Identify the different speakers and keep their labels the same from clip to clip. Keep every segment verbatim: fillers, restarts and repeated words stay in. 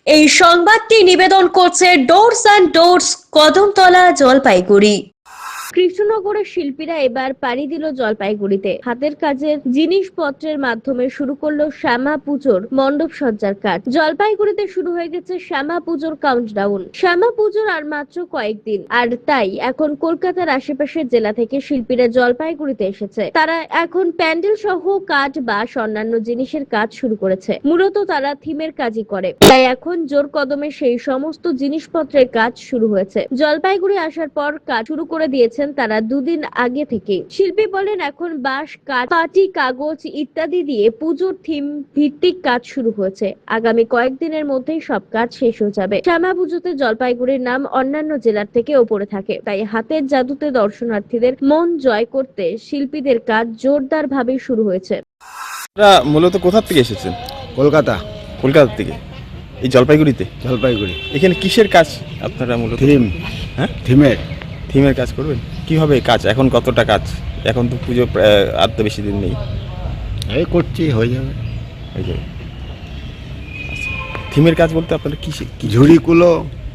Speaker 1: এই সংবাদটি নিবেদন করছে doors and doors, Kadamtala, Jalpaiguri. কৃষ্ণনগরের শিল্পীরা এবার পাড়ি দিল জলপাইগুড়িতে। হাতের কাজের জিনিসপত্রের মাধ্যমে শুরু করলো শ্যামা পুজোর মণ্ডপ সজ্জার কাজ। জলপাইগুড়িতে শুরু হয়ে গেছে শ্যামা পুজোর কাউন্টডাউন। শ্যামা পুজোর আর মাত্র কয়েকদিন, আর তাই এখন কলকাতার আশেপাশের জেলা থেকে শিল্পীরা জলপাইগুড়িতে এসেছে। তারা এখন প্যান্ডেল সহ কাঠ বাঁশ অন্যান্য জিনিসের কাজ শুরু করেছে। মূলত তারা থিমের কাজই করে, তাই এখন জোর কদমে সেই সমস্ত জিনিসপত্রের কাজ শুরু হয়েছে। জলপাইগুড়ি আসার পর কাজ শুরু করে দিয়েছে তারা দুদিন আগে থেকে। শিল্পী বলেন, এখন বাঁশ, কাঠ, পাটি, কাগজ ইত্যাদি দিয়ে পুজোর থিম ভিত্তিক কাজ শুরু হয়েছে। আগামী কয়েকদিনের মধ্যেই সব কাজ শেষ হয়ে যাবে। শ্যামা পুজোতে জলপাইগুড়ির নাম অন্যান্য জেলার থেকে ওপরে থাকে, তাই হাতের জাদুতে দর্শনার্থীদের মন জয় করতে শিল্পীদের কাজ জোরদার ভাবে শুরু হয়েছে।
Speaker 2: আপনারা মূলত কোথা থেকে এসেছেন?
Speaker 3: কলকাতা।
Speaker 2: কলকাতা থেকে এই জলপাইগুড়িতে?
Speaker 3: জলপাইগুড়ি।
Speaker 2: এখানে কিসের কাজ আপনারা মূলত?
Speaker 3: থিম।
Speaker 2: হ্যাঁ,
Speaker 3: থিমের।
Speaker 2: থিমের কাজ করবেন। কিভাবে কাজ? এখন কতটা কাজ? এখন তো পুজো প্রায় আর তো বেশি দিন নেই।
Speaker 3: এই করছি, হয়ে যাবে।
Speaker 2: হয়ে যাবে। আচ্ছা, থিমের কাজ বলতে আপনারা কি কি
Speaker 3: ঝুড়ি কুলো।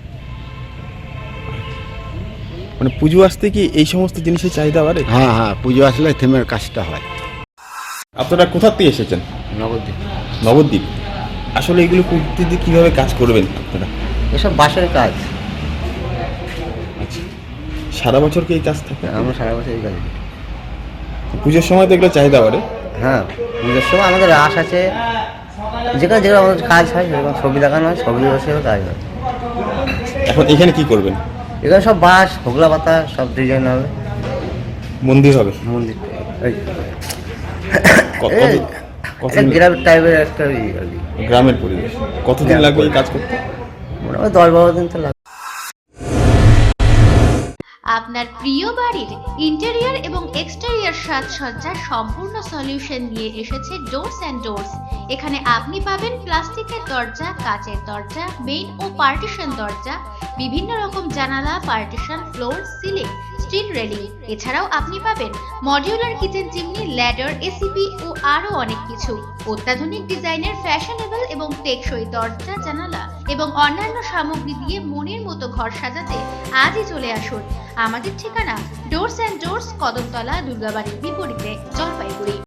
Speaker 2: মানে পুজো আসতে কি এই সমস্ত জিনিসের চাহিদা বাড়ে?
Speaker 3: হ্যাঁ হ্যাঁ, পুজো আসলে থিমের কাজটা হয়।
Speaker 2: আপনারা কোথা থেকে এসেছেন?
Speaker 3: নবদ্বীপ।
Speaker 2: নবদ্বীপ। আসলে এগুলো পুজোতে কিভাবে কাজ করবেন আপনারা?
Speaker 4: এসব বাঁশের কাজ।
Speaker 2: আচ্ছা, সারা বছর কি এই কাজ থাকে?
Speaker 4: আমরা সারা বছর এই কাজ।
Speaker 2: পুজোর সময় তো এগুলো চাহিদা বাড়ে।
Speaker 4: হ্যাঁ, পুজোর সময় আমাদের রাস আছে, যেখানে যেখানে আমাদের কাজ হয়, যেরকম ছবি দেখানো হয়, ছবি বসেও কাজ হয়।
Speaker 2: এখন এখানে কি করবেন?
Speaker 4: এখানে সব বাঁশ, হোগলা পাতা সব ডিজাইন হবে।
Speaker 2: মন্দির হবে?
Speaker 4: মন্দির এই
Speaker 2: ক-
Speaker 4: এই
Speaker 2: কত- কতদিন-
Speaker 4: গ্রাম টাইপের একটা ই আর কি।
Speaker 2: গ্রামের পরিবেশ। কতদিন লাগবে এই কাজ করতে?
Speaker 4: মোটামুটি দশ বারো দিন তো লাগবে।
Speaker 5: আপনার প্রিয় বাড়ির ইন্টেরিয়র এবং এক্সটেরিয়র সাজসজ্জার সম্পূর্ণ সলিউশন নিয়ে এসেছে ডোরস অ্যান্ড ডোরস। এখানে আপনি পাবেন প্লাস্টিকের দরজা, কাচের দরজা, মেইন ও পার্টিশন দরজা, বিভিন্ন রকম জানালা, partition, floor, ceiling, steel railing. এছাড়াও আপনি পাবেন modular kitchen chimney, ladder, ACP ও আরো অনেক কিছু। অত্যাধুনিক ডিজাইনের ফ্যাশনেবল এবং টেকসই দরজা, জানালা এবং অন্যান্য সামগ্রী দিয়ে মনের মতো ঘর সাজাতে আজই চলে আসুন। আমাদের ঠিকানা ডোরস অ্যান্ড ডোরস, কদমতলা, দুর্গাবাড়ির বিপরীতে, জলপাইগুড়ি।